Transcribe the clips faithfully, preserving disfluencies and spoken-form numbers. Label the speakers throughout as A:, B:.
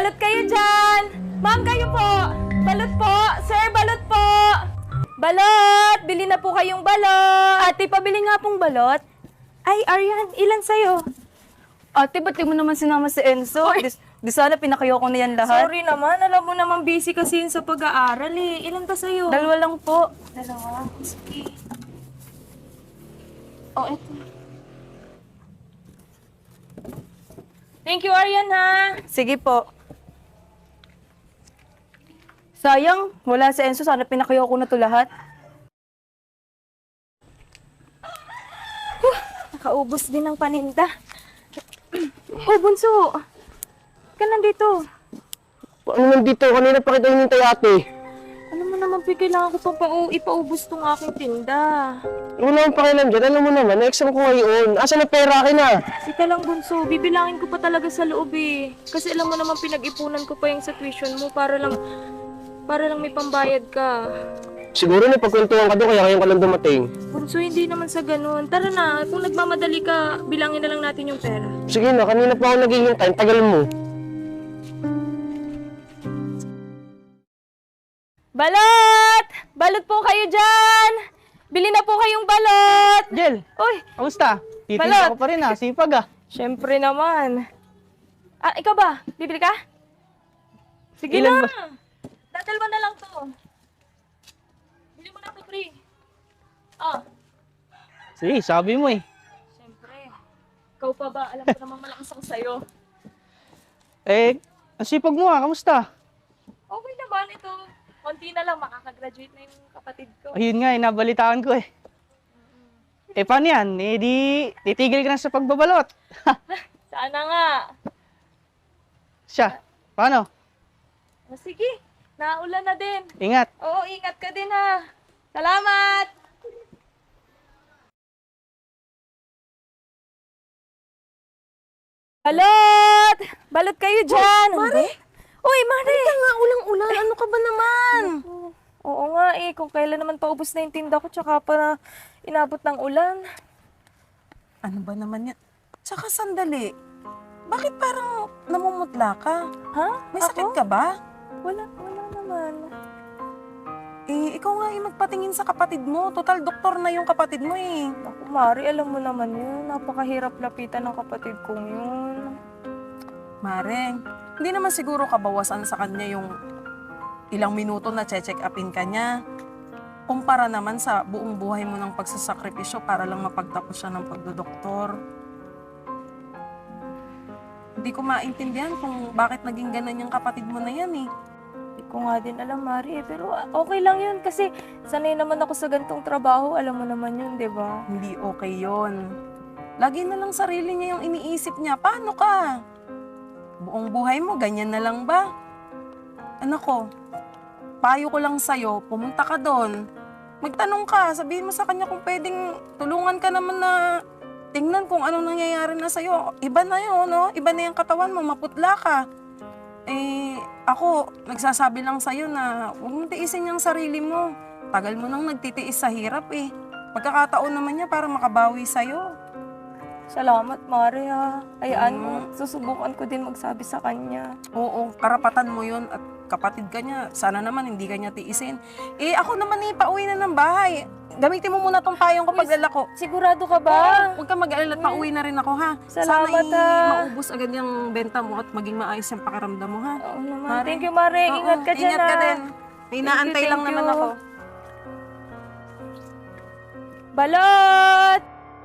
A: balot kayo dyan! Ma'am, kayo po! Balot po! Sir, balot po! Balot! Bili na po kayong balot! Ate, pabili nga pong balot. Ay, Arian, ilan sa'yo?
B: Ate, ba't di mo naman sinama si Enzo? Di, di sana pinakayo ko na yan lahat.
A: Sorry naman, alam mo naman busy kasi yun sa pag-aaral eh. Ilan ba sa'yo?
B: Dalawa lang po.
A: Dalawa? Sige. Oh, eto. Thank you, Arian, ha?
B: Sige po. Sayang, wala si Enzo. Sana pinakayo ko na to lahat.
A: Huh, nakaubos din ng paninda. Oh, Bunso! Ka nandito.
C: Ano nandito? Kanina pa kita hinintay ate.
A: Alam mo naman, Pi, kailangan ko pang pa ipaubos tong aking tinda.
C: Wala akong pakialam dyan. Alam mo naman, na-exam ko ngayon. Asa na pera akin na?
A: Sika lang, Bunso. Bibilangin ko pa talaga sa loob eh. Kasi alam mo naman, pinag-ipunan ko pa yung sa tuition mo para lang, para lang may pambayad ka.
C: Siguro na pagkwentuhan ka doon, kaya ngayon ka lang dumating.
A: Bunso, hindi naman sa ganun. Tara na, kung nagmamadali ka, bilangin na lang natin yung pera.
C: Sige na, kanina pa ako naghihintay. Tagal mo.
A: Balot! Balot po kayo dyan! Bili na po kayong balot!
D: Jel,
A: Uy,
D: kamusta?
A: Balot.
D: Titinda ko pa rin ah, sipag ah.
A: syempre naman. Ah, ikaw ba? Bibili ka? Sige
D: Ilan
A: na!
D: ba?
A: Dadalwa na lang to. Bili mo na to, pre. Ah,
D: Sige, sabi mo eh.
A: syempre. Ikaw pa ba? Alam ko naman malakas ako sa'yo.
D: Eh, ang sipag mo ah, kamusta?
A: Okay naman ito. Konti na lang, makakagraduate na yung kapatid ko.
D: Ayun nga, eh, nabalitaan ko eh. Eh, paano yan? Eh, di, titigil ka na sa pagbabalot.
A: Sana nga.
D: Siya, paano?
A: Ah, sige, naulan na din.
D: Ingat.
A: Oo, ingat ka din ha. Salamat! Balot! Balot kayo dyan! Mare? Uy, Mare! Halika nga, ulang-ulan. Ano ka ba naman? Oo nga eh, kung kailan naman paubos na yung tinda ko, tsaka pa na inabot ng ulan.
E: Ano ba naman yan? Tsaka sandali. Bakit parang namumutla ka?
A: Ha?
E: May
A: Ako?
E: sakit ka ba?
A: Wala, wala naman.
E: Eh, ikaw nga yung magpatingin sa kapatid mo. Total, doktor na yung kapatid mo eh.
A: Ako, Mari, alam mo naman yun. Napakahirap lapitan ng kapatid kong yun.
E: Mare, hindi naman siguro kabawasan sa kanya yung ilang minuto na check upin ka niya. Kumpara naman sa buong buhay mo ng pagsasakripisyo para lang mapagtapos siya ng pagdodoktor. Hindi ko maintindihan kung bakit naging ganun yung kapatid mo na yan eh.
A: Hindi ko nga din alam, Mari. Eh. Pero okay lang yun kasi sanay naman ako sa gantong trabaho. Alam mo naman yun, di ba?
E: Hindi okay yon. Lagi na lang sarili niya yung iniisip niya. Paano ka? Buong buhay mo, ganyan na lang ba? Anak ko, payo ko lang sa'yo, pumunta ka doon. Magtanong ka, sabihin mo sa kanya kung pwedeng tulungan ka naman na tingnan kung anong nangyayari na sa'yo. Iba na yun, no? Iba na yung katawan mo, maputla ka. Eh, ako, nagsasabi lang sa'yo na huwag mong tiisin yung sarili mo. Tagal mo nang nagtitiis sa hirap eh. Pagkakataon naman niya para makabawi sa'yo.
A: Salamat, Mari, ha. Hayaan mo,
E: Mm.
A: susubukan ko din magsabi sa kanya.
E: Oo, karapatan mo yun at kapatid ka niya. Sana naman hindi ka niya tiisin. Eh, ako naman eh, pauwi na ng bahay. Gamitin mo muna tong payong ko pagdala ko.
A: Sigurado ka ba?
E: Huwag kang mag-alala, pauwi na rin ako ha.
A: Salamat,
E: Sana eh,
A: ah.
E: maubos agad yung benta mo at maging maayos yung pakiramdam mo ha.
A: Oo naman.
E: Mari.
A: Thank you, Mari.
E: Oo,
A: Ingat ka dyan,
E: Ingat ka
A: ha.
E: din. May inaantay
A: you,
E: lang
A: thank
E: naman
A: you.
E: ako.
A: Balot!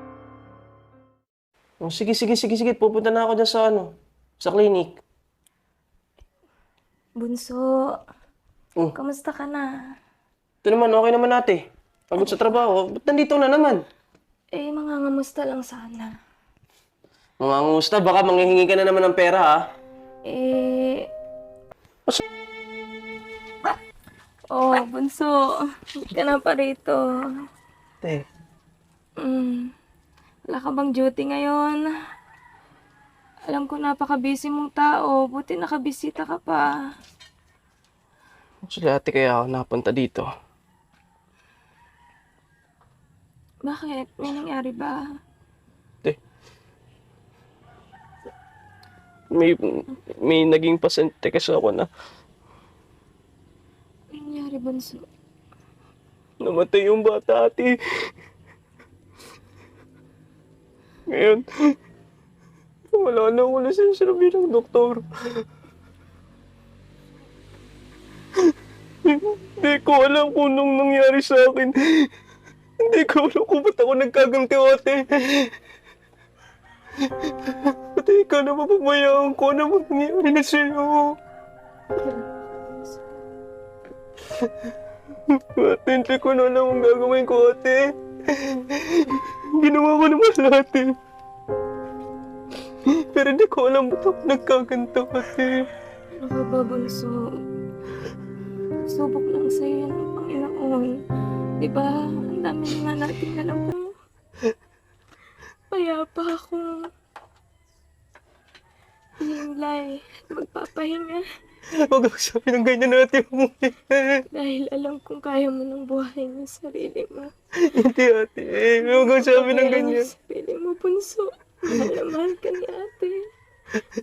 C: Oh, sige, sige, sige, sige. Pupunta na ako dyan sa ano, sa clinic.
A: Bunso,
C: Oh,
A: kamusta ka na?
C: ito naman, okay naman ate. Pagod sa trabaho. Ba't nandito na naman?
A: Eh, mangangamusta lang sana.
C: Mga ngusta, baka manghihingi ka na naman ng pera ha.
A: Eh... Oh, Bunso. Hindi ka na pa rito.
C: Te,
A: Mm. Wala ka bang duty ngayon? Alam ko napaka-busy mong tao. Buti nakabisita ka pa.
C: actually ate kaya ako napunta dito.
A: Bakit? May nangyari ba?
C: Te, may, may naging pasyente kasi ako na
A: Ano nangyari, Bunso?
C: namatay yung bata, ate. Ngayon, wala na ako lisensya bilang doktor. Hindi ko alam kung anong nangyari sa akin. Hindi ko alam kung ba't ako nagkaganti, ate. Ate, ikaw na mapabayaan ko na mangyari na sa'yo. Ate, hindi ko na alam ang gagawin ko, ate. Ginawa ko naman lahat, eh. Pero hindi ko alam ba't ako nagkaganto, ate.
A: Ano ka ba, Bunso? Subok lang sa'yo yan ng Panginoon. Diba? Ang dami na nga natin alam mo. Payapa ako. Himlay, magpapahinga.
C: Huwag ako sabi ng ganyan natin mo.
A: Dahil alam kong kaya mo ng buhay ng sarili mo.
C: Hindi, ate. Huwag ako sabi ng
A: Kaya
C: ganyan.
A: ng sarili mo, Bunso. Mahal na mahal ka ni ate.